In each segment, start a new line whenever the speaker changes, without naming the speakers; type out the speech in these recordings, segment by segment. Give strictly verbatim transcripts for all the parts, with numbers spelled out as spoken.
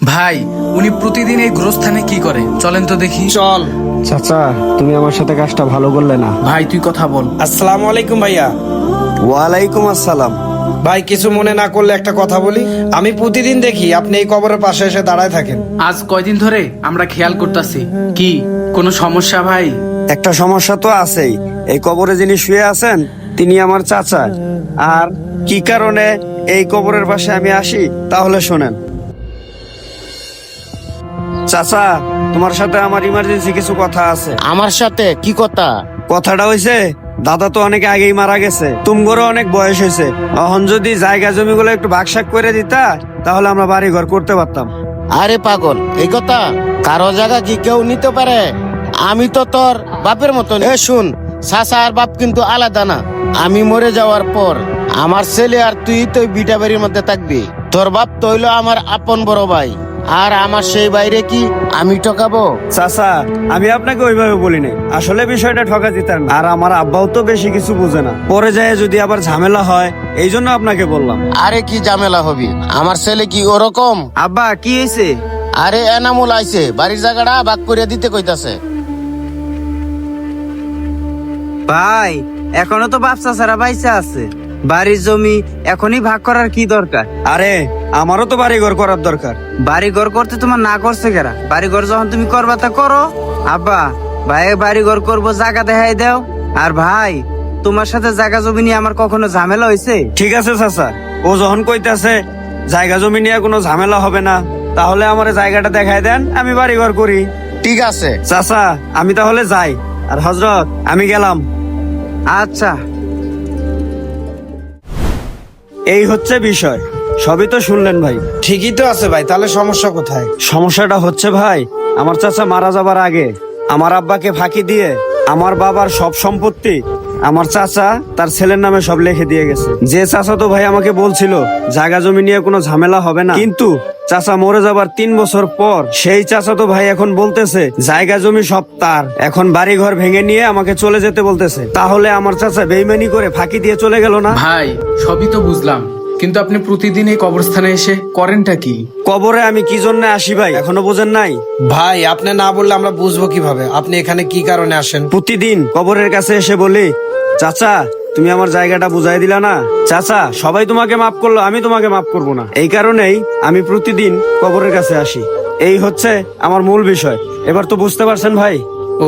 ভাই, উনি প্রতিদিন এই গোরস্থানে কি করে চলেন তো দেখি।
চল।
চাচা, তুমি আমার সাথে কাজটা ভালো করলে না।
ভাই তুই কথা বল।
আসসালামু আলাইকুম ভাইয়া।
ওয়ালাইকুম আসসালাম।
ভাই কিছু মনে না করলে একটা কথা বলি। আমি প্রতিদিন দেখি আপনি এই কবরের পাশে এসে দাঁড়ায় থাকেন।
আজ কয়দিন ধরে আমরা খেয়াল করতেছি। কি কোনো সমস্যা ভাই?
একটা সমস্যা তো আছেই। এই কবরে যিনি শুয়ে আছেন তিনি আমার চাচা। আর কি কারণে এই কবরের পাশে আমি আসি তাহলে শোনেন। চাচা, তোমার সাথে আমার ইমার্জেন্সি কিছু কথা আছে।
আমার সাথে কি কথা?
কথাটা হইছে, দাদা তো অনেক আগেই মারা গেছে, তুমগরও অনেক বয়স হয়েছে। এখন যদি জায়গা জমিগুলো একটু ভাগসাক করে দিতা তাহলে আমরা বাড়ি ঘর করতে পারতাম।
আরে পাগল, এই কথা কারো জায়গা কি কেউ নিতে পারে? আমি তো তোর বাপের মতন। এ শুন, চাচা আর বাপ কিন্তু আলাদা না। আমি মরে যাওয়ার পর আমার ছেলে আর তুই তো বিটা বাড়ির মধ্যে থাকবি। তোর বাপ তো হইলো আমার আপন বড় ভাই, আর আমার সেই বাইরে কি আমি ঠকাবো?
চাচা, আমি আপনাকে ওইভাবে বলি নাই, আসলে বিষয়টা ঠকা দিতার না। আর আমার আব্বাও তো বেশি কিছু বুঝে না, পরে যায় যদি আবার ঝামেলা হয়, এই জন্য আপনাকে বললাম।
আরে কি ঝামেলা হবি? আমার ছেলে কি ওরকম?
আব্বা, কি হয়েছে?
আরে এনামুল আইছে, বাড়ির জায়গাটা ভাগ করে দিতে কইতাছে।
ভাই, এখনো তো বাপ চাচারা বাইসা আছে, বাড়ির জমি এখনই ভাগ করার কি দরকার?
আরে আমারও তো বাড়ি ঘর করার দরকার।
বাড়ি ঘর করতে তোমার না করছে কেরা? বাড়ি ঘর যখন তুমি করবা তা করো। আব্বা, ভাই বাড়ি ঘর করবো, জায়গা দেখাই দাও। আর ভাই, তোমার সাথে জায়গা জমি নিয়ে আমার কখনো ঝামেলা হয়েছে?
ঠিক আছে চাচা, ও যখন কইতাছে জায়গা জমি নিয়ে কোনো ঝামেলা হবে না, তাহলে আমার জায়গাটা দেখাই দেন, আমি বাড়ি ঘর করি।
ঠিক আছে
চাচা, আমি তাহলে যাই। আর হযরত, আমি গেলাম।
আচ্ছা।
এই হচ্ছে বিষয়, সবই তো শুনলেন ভাই।
ঠিকই তো আছে ভাই, তাহলে সমস্যা কোথায়?
সমস্যাটা হচ্ছে ভাই, আমার চাচা মারা যাবার আগে আমার আব্বাকে ফাঁকি দিয়ে আমার বাবার সব সম্পত্তি আমার চাচা তার ছেলের নামে সব লিখে দিয়ে গেছে। যে চাচা তো ভাই আমাকে বলছিল জায়গা জমি নিয়ে কোনো ঝামেলা হবে না, কিন্তু চাচা মরে যাবার তিন বছর পর সেই চাচা তো ভাই এখন বলতেছে জায়গা জমি সব তার, এখন বাড়ি ঘর ভেঙে নিয়ে আমাকে চলে যেতে বলতেছে। তাহলে আমার চাচা বেইমানি করে ফাঁকি দিয়ে চলে গেল না?
ভাই সবই তো বুঝলাম, কিন্তু আপনি প্রতিদিন এই কবরস্থানে এসে করেনটা কি?
কবরে আমি কি জন্য আসি ভাই এখনো বোঝেন নাই?
ভাই আপনি না বললে আমরা বুঝবো কিভাবে আপনি এখানে কি কারণে আসেন?
প্রতিদিন কবরের কাছে এসে বলি, চাচা তুমি আমার জায়গাটা বুঝাই দিলা না। চাচা, সবাই তোমাকে মাফ করলো, আমি তোমাকে মাফ করবো না। এই কারণেই আমি প্রতিদিন কবরের কাছে আসি। এই হচ্ছে আমার মূল বিষয়। এবার তো বুঝতে পারছেন ভাই?
ও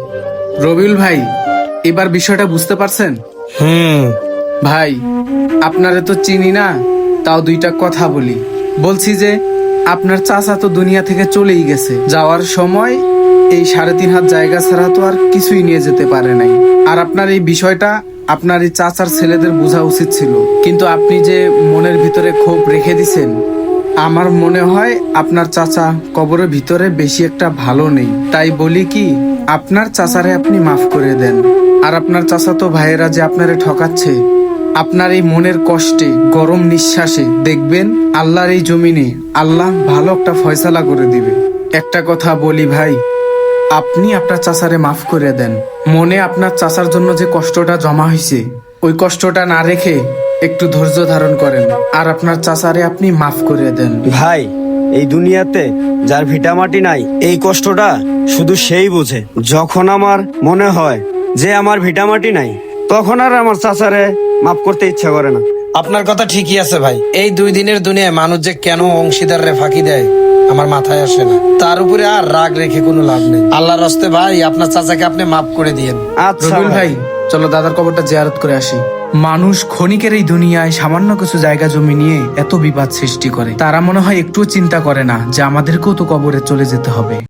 রবিউল ভাই, এবার বিষয়টা বুঝতে পারছেন?
হুম।
ভাই আপনারে তো চিনি না, তাও দুইটা কথা বলি। বলছি যে আপনার চাচা তো দুনিয়া থেকে চলেই গেছে, যাওয়ার সময় এই সাড়ে তিন হাত জায়গা ছাড়া তো আর কিছুই নিয়ে যেতে পারে নাই। আর আপনার এই বিষয়টা আপনার এই চাচার ছেলেদের বোঝা উচিত ছিল, কিন্তু আপনি যে মনের ভিতরে ক্ষোভ রেখে দিছেন, আমার মনে হয় আপনার চাচা কবরের ভিতরে বেশি একটা ভালো নেই। তাই বলি কি, আপনার চাচারে আপনি মাফ করে দেন। আর আপনার চাচা তো ভাইয়েরা যে আপনারে ঠকাচ্ছে, আপনার এই মনের কষ্টে গরম নিঃশ্বাসে দেখবেন আল্লাহর এই জমিনে আল্লাহ ভালো একটা ফয়সালা করে দিবে। একটা কথা বলি ভাই, আপনি আপনার চাচারে মাফ করে দেন। মনে আপনার চাচার জন্য যে কষ্টটা জমা হয়েছে, ওই কষ্টটা না রেখে একটু ধৈর্য ধারণ করেন, আর আপনার চাচারে আপনি মাফ করে দেন।
ভাই, এই দুনিয়াতে যার ভিটামাটি নাই এই কষ্টটা শুধু সেই বুঝে। যখন আমার মনে হয় যে আমার ভিটামাটি নাই, তখন আর আমার চাচারে মাফ করতে ইচ্ছা করে না।
আপনার কথা ঠিকই আছে ভাই। এই দুই দিনের দুনিয়ায় মানুষ যে কেন অংশীদাররে ফাঁকি দেয় আমার মাথায় আসে না। তার উপরে আর রাগ রেখে কোনো লাভ নেই। আল্লাহর রাস্তে ভাই আপনার চাচাকে আপনি মাফ করে দিয়েন।
আচ্ছা
রবিউল ভাই, চলো দাদার কবরটা জিয়ারত করে আসি। মানুষ ক্ষণিকের এই দুনিয়ায় সামান্য কিছু জায়গা জমি নিয়ে এত বিবাদ সৃষ্টি করে, তারা মনে হয় একটুও চিন্তা করে না যে আমাদেরকেও তো কবরে চলে যেতে হবে।